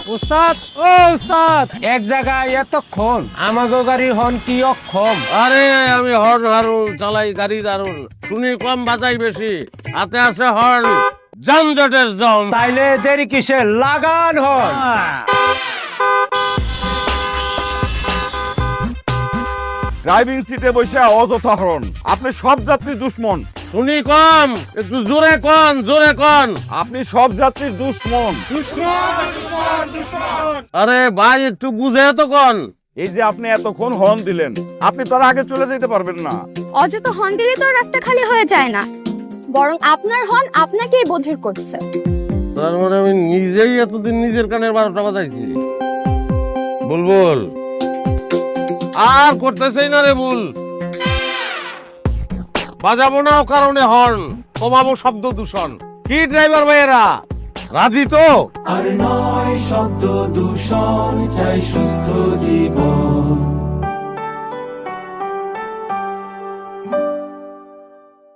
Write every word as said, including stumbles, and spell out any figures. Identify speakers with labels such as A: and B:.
A: উস্তাদ ও উস্তাদ, এক জায়গায় এতক্ষণ আমাগো গাড়ি হন কি অক্ষম।
B: আরে আমি হর্ন হারুন চালাই গাড়ি দারুন, শুনি কম বাজাই বেশি, হাতে আছে হর্ন, যানজটের জম।
A: তাইলে দেরি কিসে, লাগান হন।
C: ড্রাইভিং সিটে বসে অযথা হরণ, আপনি সব যাত্রীর দুশ্মন।
B: শুনি কম, একটু জোরে কন, জোরে কন।
C: আপনি সব যাত্রীর দুশ্মন।
B: আরে ভাই একটু বুঝে তো কন।
C: এই যে আপনি এতক্ষণ হর্ন দিলেন, আপনি তার আগে চলে যেতে পারবেন না।
D: অযথা হর্ন দিলে তো রাস্তা খালি হয়ে যায় না, বরং আপনার হর্ন আপনাকেই বধির করছে।
B: তার মানে আমি নিজেই এতদিন নিজের কানের বারোটা বাজাইছি। বুলবুল আর করতেছেই না রে ভুল, বাজাবো না ও কারণে হর্ন, কমাবো শব্দ দূষণ। কি ড্রাইভার ভাইয়েরা রাজি তো?
E: আর নয় শব্দ দূষণ, চাই সুস্থ জীবন।